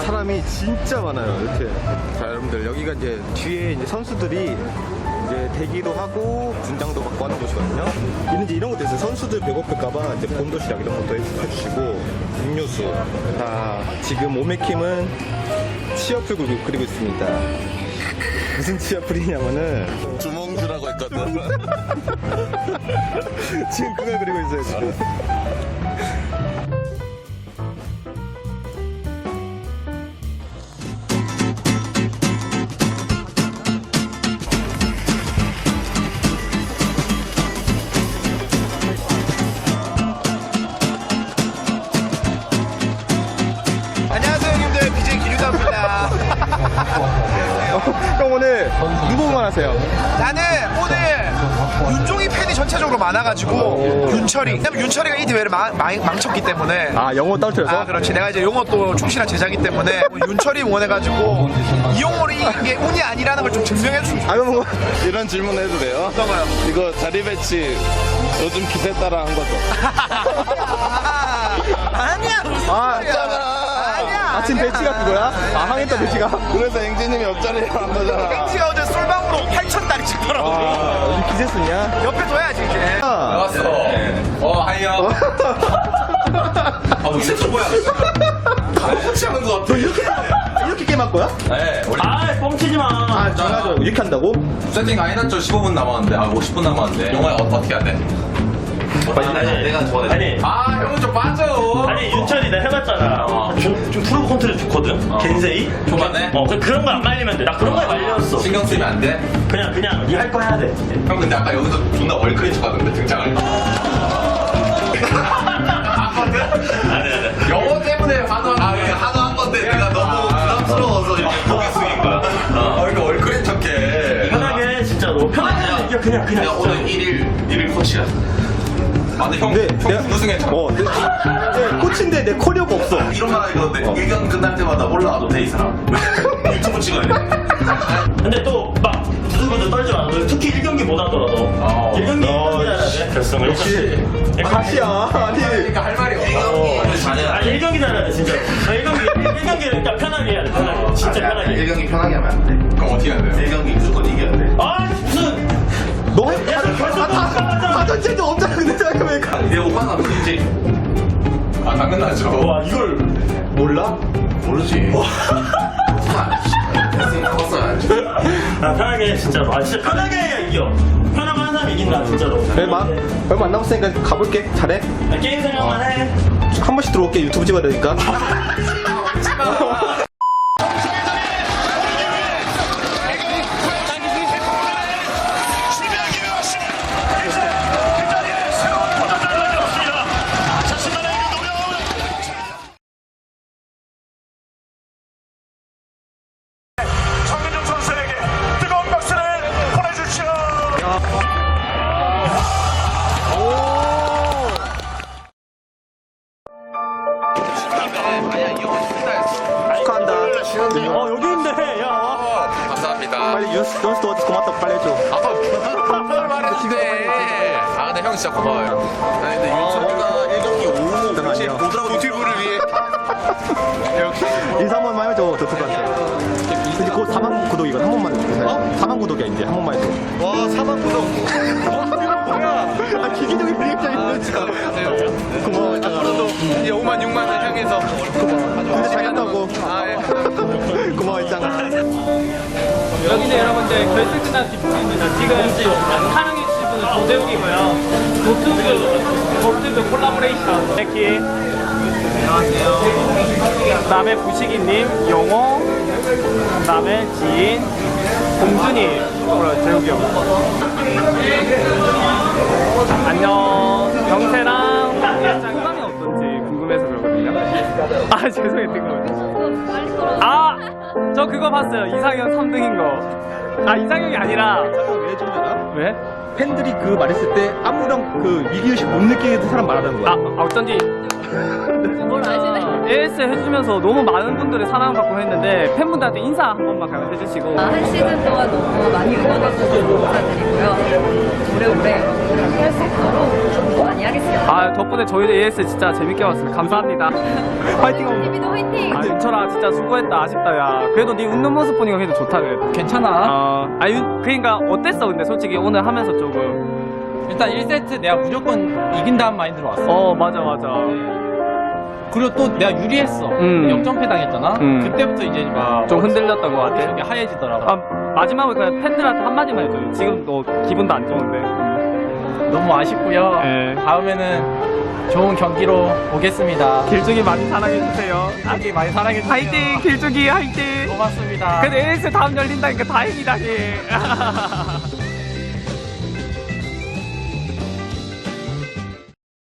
사람이 진짜 많아요. 이렇게. 자, 여러분들 여기가 이제 뒤에 이제 선수들이 이제 대기도 하고 분장도 받고 하는 곳이거든요. 이제 이런 것도 있어요. 선수들 배고플까봐 이제 본도시락 이런 것도 해주시고 음료수. 자, 지금 오메킴은 치어풀 그리고 있습니다. 무슨 치어풀이냐면은 주몽주라고 했거든. 지금 그걸 그리고 있어요. 지금. 안녕하세요 형님들, BJ 기류다입니다. 형 오늘 누구 응원하세요? 나는 오늘 윤종이 팬이 전체적으로 많아가지고 윤철이, 왜냐면 윤철이가 이 대회를 망쳤기 때문에. 아, 영어 떨어뜨려서? 아, 그렇지. 내가 이제 영어 또 충실한 제자기 때문에 윤철이 응원해가지고 이용호를 이게 운이 아니라는 걸 좀 증명해주고 싶어. 아, 그럼 뭐 이런 질문 해도 돼요? 어떤 거요? 이거 자리 배치 요즘 기세 따라 한 거죠? 아니야. 아, 아니야. 아침 배치가 그거야? 아, 항했다 배치가? 그래서 앵지님이 옆자리에 한 거잖아. 벤치가 어제 솔방으로 8,000달이 찍더라고. 아, 요즘 기세 쓰냐? 옆에 둬야지 이제. 왔어. 하이야. 이제 또 뭐야? 같이 하는 거 같아. 이렇게 게임 할 거야? 네, 원래 아, 뻥치지 마. 아, 전화줘. 이렇게 한다고? 세팅 안 해놨죠? 15분 남았는데, 50분 남았는데. 영화에 어떻게 해야 돼? 내가 좋아해. 아니, 형은 좀 빠져. 아니 윤철이 내가 해봤잖아. 좀 프로 컨트롤 좋거든. 겐세이. 초반에? 그런 거 안 말리면 돼. 나 그런 거에 말렸어. 신경 쓰면 안 돼? 그냥 니 할 거 해야 돼. 형 근데 아까 여기서 존나 월클인 척 하던데 등장을. 아니. 영어 때문에 한화한 건데 내가 너무 부담스러워서 이렇게 고개 숙인 거야. 그러니까 월클인 척해. 편하게 진짜로. 편하게 이겨 그냥 야, 오늘 진짜. 1일 코치야. 아, 근데 형, 내가 우승했잖아. 내 코치인데 내 커리어가 없어. 이런 말 하는데 의견 끝날 때마다 올라와도 돼, 이 사람. 유튜브 찍어야 돼. 근데 또 막 누구도 떨지 마. 너 특히 1경기 못 하더라도 1경기 1경기 해야 돼. 결승을. 역시 가시야. 아니. 그러니까 할 말이 없어. 아니 1경기 잘해야 돼 진짜. 1경기를 일단 편하게 해야 돼. 편하게. 진짜 편하게. 1경기 편하게 하면 안 돼. 그럼 어떻게 해야 돼요? 1경기 무조건 이겨야 돼. 아 무슨. 너 다전체도 없잖아. 근데 생각해보니까. 내 오빠가 누구지? 아, 당연하죠. 와 이걸. 몰라? 모르지. 해봤어야지. 아 편하게 진짜로. 아 진짜 편하게 해야 이겨. 편하게 하는 사람이 이긴다 진짜로. 그래, 얼마 안 남았으니까 가볼게. 잘해. 게임 생각만 해. 한 번씩 들어올게. 유튜브 찍어야 되니까. 정민종 선수에게 뜨거운 박수를 보내주시오. 축하한다. 여기 있네. 야. 감사합니다. 빨리 연수도 어디 고맙다고 빨리 해줘. 뭘 말했는데. 아, 근데 형 진짜 고마워요. 아니, 근데 윤철이가 1경기 5호 아니야. 노티브를 위해. 인사 한 번만 해줘. 저쪽한테. 근데 곧 4만 구독이거든. 한 번만 해줘. 4만 구독이야 이제. 한 번만 해줘. 와, 4만 구독. 아, 기기적인 리액션이 진짜. 고마워. 앞으로도 이제 5만, 6만을 향해서. 근데 잘 간다고. 아, 예. 고마워 있잖아. 여기는 여러분들 결승 끝난 뒷부분입니다. 지금 사랑해 주신 분은 조대웅이고요. 노트북 콜라보레이션 백희. 안녕하세요. 그 다음에 부식이님, 영호, 그 다음에 지인, 공준이, 재욱이 형. 안녕. 경태랑 소감이 어떤지 궁금해서 그러거든요. 아, 죄송해요. 뜬금없이. 아! 저 그거 봤어요. 이상형 3등인 거. 아, 이상형이 아니라. 왜 해준 줄 알아? 왜? 팬들이 그 말했을 때 아무런 그 위기의식 못 느끼는 사람 말하는 거야. 어쩐지. 뭘 아시네? AS 해주면서 너무 많은 분들의 사랑받고 했는데 팬분들한테 인사 한 번만 가면 해주시고. 한 시즌 동안 너무 많이 응원해주셔서 감사드리고요. 오래오래 여러분들과 함께할 수 있도록 공부 많이 하겠습니다. 아 덕분에 저희도 AS 진짜 재밌게 봤습니다. 감사합니다. 화이팅! TV도 화이팅! 아 윤철아 진짜 수고했다. 아쉽다 야. 그래도 네 웃는 모습 보니까 그래도 좋다 그래도. 괜찮아. 그러니까 어땠어 근데 솔직히 오늘 하면서 조금. 일단 1세트 내가 무조건 이긴다는 마인드로 왔어. 맞아. 그리고 또 내가 유리했어. 역전패 당했잖아. 그때부터 이제 막 좀 흔들렸던 것 같아. 이게 하얘지더라고. 마지막으로 그냥 팬들한테 한마디만 해줘요. 지금 너 기분도 안 좋은데. 너무 아쉽고요. 네. 다음에는 좋은 경기로 오겠습니다. 길쭉이 많이 사랑해주세요. 경기 많이 사랑해주세요. 화이팅! 길쭉이 화이팅! 고맙습니다. 근데 AS 다음 열린다니까 다행이다.